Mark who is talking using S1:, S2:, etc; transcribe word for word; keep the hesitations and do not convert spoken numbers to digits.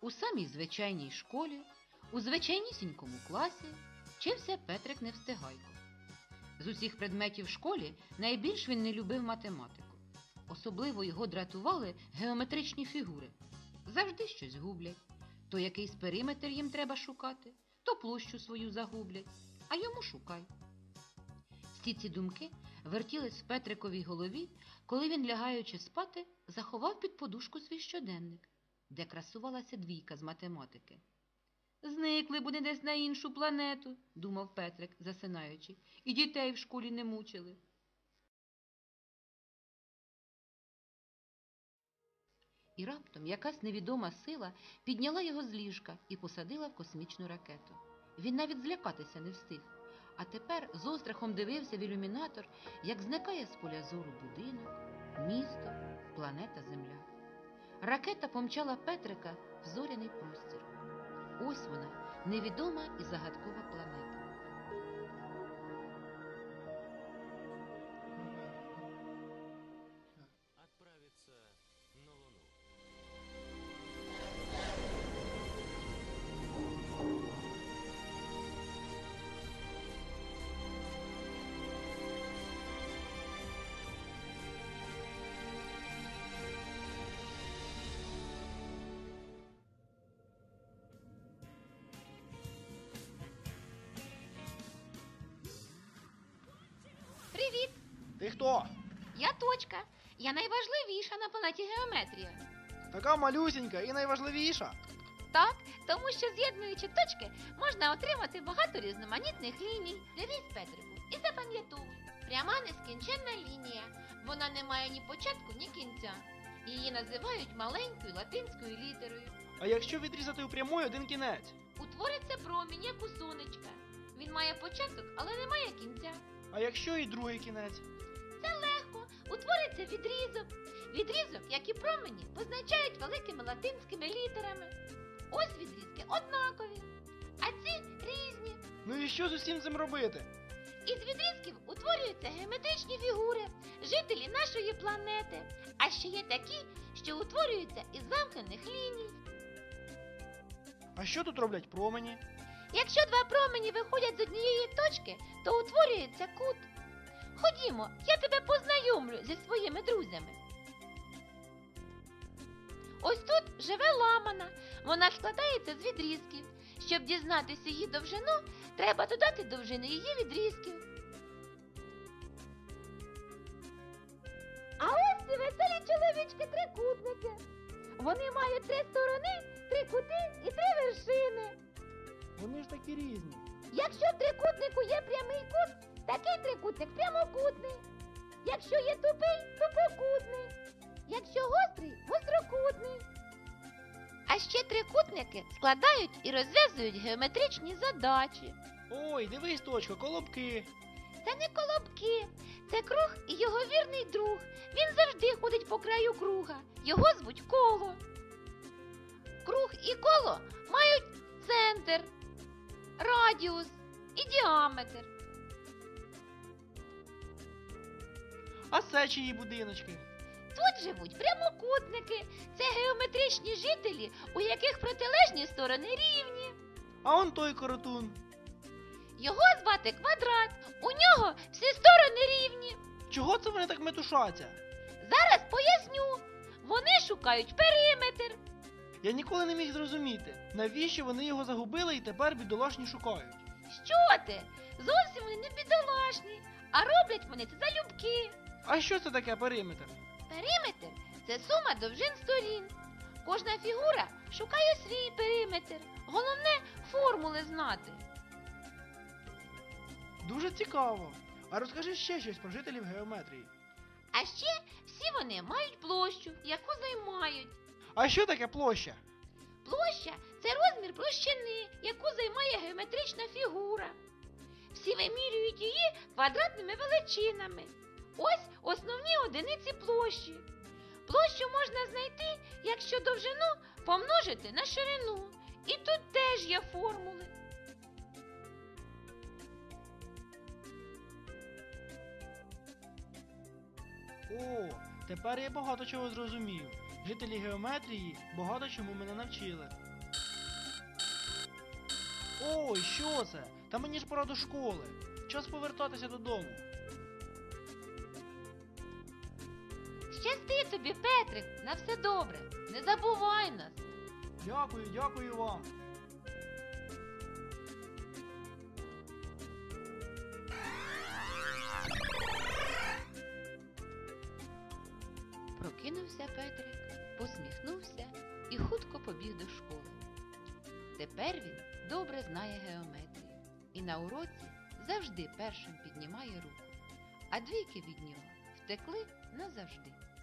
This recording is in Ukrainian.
S1: У самій звичайній школі, у звичайнісінькому класі вчився Петрик Невстигайко. З усіх предметів в школі найбільш він не любив математику. Особливо його дратували геометричні фігури. Завжди щось гублять. То якийсь периметр їм треба шукати, то площу свою загублять, а йому шукай. Всі ці думки вертілись в Петриковій голові, коли він, лягаючи спати, заховав під подушку свій щоденник, де красувалася двійка з математики. «Зникли б вони десь на іншу планету», – думав Петрик, засинаючи, – «і дітей в школі не мучили». І раптом якась невідома сила підняла його з ліжка і посадила в космічну ракету. Він навіть злякатися не встиг. А тепер з острахом дивився в ілюмінатор, як зникає з поля зору будинок, місто, планета Земля. Ракета помчала Петрика в зоряний простір. Ось вона, невідома і загадкова планета.
S2: Отправиться на Луну.
S3: Привіт!
S4: Ти хто?
S3: Я Точка. Я найважливіша на планеті Геометрія.
S4: Така малюсінька і найважливіша.
S3: Так, тому що з'єднуючи точки, можна отримати багато різноманітних ліній. Дивись, Петрику, і запам'ятовуй. Пряма нескінченна лінія. Вона не має ні початку, ні кінця. Її називають маленькою латинською літерою.
S4: А якщо відрізати у прямої один кінець?
S3: Утвориться промінь, як у сонечка. Він має початок, але не має кінця.
S4: А якщо і другий кінець?
S3: Це легко. Утвориться відрізок. Відрізок, як і промені, позначають великими латинськими літерами. Ось відрізки однакові, а ці різні.
S4: Ну і що з усім цим робити?
S3: Із відрізків утворюються геометричні фігури, жителі нашої планети. А ще є такі, що утворюються із замкнених ліній.
S4: А що тут роблять промені?
S3: Якщо два промені виходять з однієї точки, то утворюється кут. Ходімо, я тебе познайомлю зі своїми друзями. Ось тут живе ламана. Вона складається з відрізків. Щоб дізнатися її довжину, треба додати довжини її відрізків. А ось ці веселі чоловічки-трикутники. Вони мають три сторони, три кути і три вершини.
S4: Вони ж такі різні.
S3: Якщо в трикутнику є прямий кут, такий трикутник прямокутний. Якщо є тупий, тупокутний. Якщо гострий, гострокутний. А ще трикутники складають і розв'язують геометричні задачі.
S4: Ой, дивись, Точка, колобки.
S3: Це не колобки, це круг і його вірний друг. Він завжди ходить по краю круга. Його звуть коло. Круг і коло мають центр, радіус і діаметр.
S4: А це чиї будиночки?
S3: Тут живуть прямокутники. Це геометричні жителі, у яких протилежні сторони рівні.
S4: А он той коротун.
S3: Його звати Квадрат. У нього всі сторони рівні.
S4: Чого це вони так метушаться?
S3: Зараз поясню. Вони шукають периметр.
S4: Я ніколи не міг зрозуміти, навіщо вони його загубили і тепер бідолашні шукають.
S3: Що ти? Зовсім вони не бідолашні, а роблять вони це залюбки.
S4: А що це таке периметр?
S3: Периметр – це сума довжин сторін. Кожна фігура шукає свій периметр. Головне – формули знати.
S4: Дуже цікаво. А розкажи ще щось про жителів геометрії.
S3: А ще всі вони мають площу, яку займають.
S4: А що таке площа?
S3: Площа – це розмір площини, яку займає геометрична фігура. Всі вимірюють її квадратними величинами. Ось основні одиниці площі. Площу можна знайти, якщо довжину помножити на ширину. І тут теж є формули.
S4: О, тепер я багато чого зрозумів. Жителі геометрії багато чому мене навчили. Ой, що це? Та мені ж пора до школи. Час повертатися додому.
S3: Щасти тобі, Петрик, на все добре. Не забувай нас.
S4: Дякую, дякую вам.
S1: Прокинувся Петрик, посміхнувся і хутко побіг до школи. Тепер він добре знає геометрію і на уроці завжди першим піднімає руку, а двійки від нього втекли назавжди.